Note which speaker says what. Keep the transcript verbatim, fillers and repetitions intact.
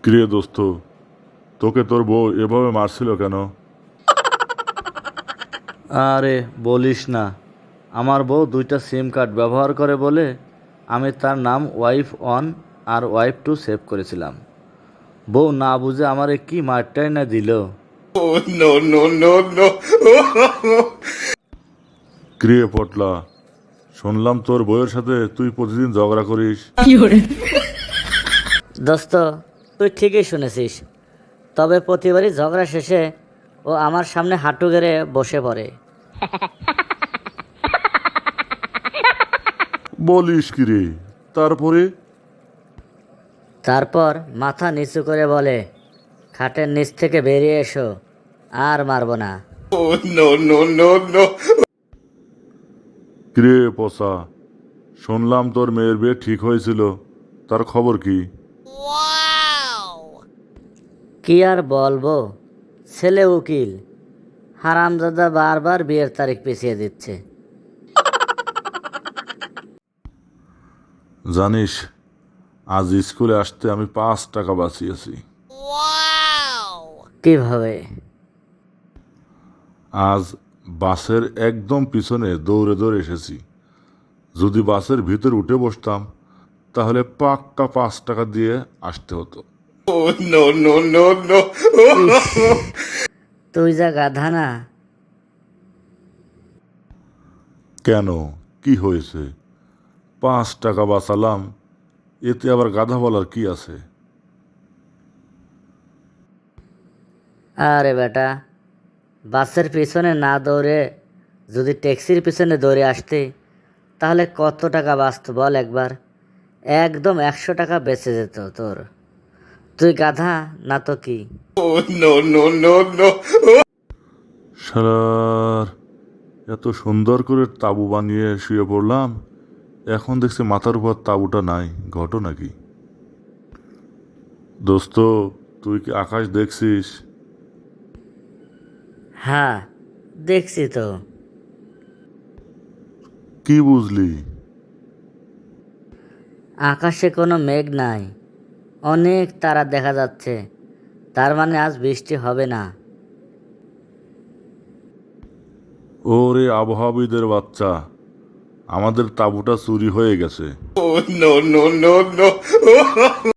Speaker 1: কিরে দোস্ত, তোকে তোর বউ এভাবে মারছিল কেন?
Speaker 2: আরে বলিস না, আমার বউ দুইটা সিম কার্ড ব্যবহার করে বলে আমি তার নাম ওয়াইফ ওয়ান আর ওয়াইফ টু সেভ করেছিলাম। বউ না বুঝে আমারে কি মারটাই না দিল।
Speaker 1: কিরে পটলা, শুনলাম তোর বউয়ের সাথে তুই প্রতিদিন ঝগড়া করিস।
Speaker 3: দোস্ত, তুই ঠিকই শুনেছিস। তবে প্রতিবারই ঝগড়া শেষে ও আমার সামনে হাঁটু গেড়ে বসে পড়ে।
Speaker 1: বলিস কিরে? তারপরে?
Speaker 3: তারপর মাথা নিচু করে বলে, খাটের নিচ থেকে বেরিয়ে এসো, আর মারবো না।
Speaker 1: কিরে পচা, শুনলাম তোর মেয়ের বিয়ে ঠিক হয়েছিল, তার খবর কি?
Speaker 3: কি আর বলবো, ছেলে উকিল, হারামজাদা বারবার বিয়ের তারিখ পিছিয়ে দিচ্ছে।
Speaker 1: জানিস, আজ স্কুলে আসতে আমি পাঁচ টাকা বাঁচিয়েছি।
Speaker 3: কিভাবে?
Speaker 1: আজ বাসের একদম পিছনে দৌড়ে দৌড়ে এসেছি। যদি বাসের ভিতর উঠে বসতাম তাহলে পাক্কা পাঁচ টাকা দিয়ে আসতে হতো।
Speaker 3: তুই যা গাধা না।
Speaker 1: কেন, কি হয়েছে? পাঁচ টাকা বাঁচালাম, এতে আবার গাধা বলার কি আছে?
Speaker 3: আরে বেটা, বাসের পিছনে না দৌড়ে যদি ট্যাক্সির পিছনে দৌড়ে আসতে, তাহলে কত টাকা বাঁচত বল একবার। একদম একশো টাকা বেঁচে যেত তোর। তুই গাধা না তো কি?
Speaker 1: শালার, এত সুন্দর করে তাঁবু বানিয়ে শুয়ে পড়লাম, এখন দেখছি মাথার উপর তাঁবুটা নাই। ঘটনা কি? দোস্ত, তুই কি আকাশ দেখছিস?
Speaker 3: হ্যাঁ, দেখছি তো।
Speaker 1: কি বুঝলি?
Speaker 3: আকাশে কোনো মেঘ নাই, অনেক তারা দেখা যাচ্ছে। তার মানে আজ বৃষ্টি হবে না।
Speaker 1: ওরে আবহাওয়াবিদের বাচ্চা, আমাদের তাঁবুটা চুরি হয়ে গেছে।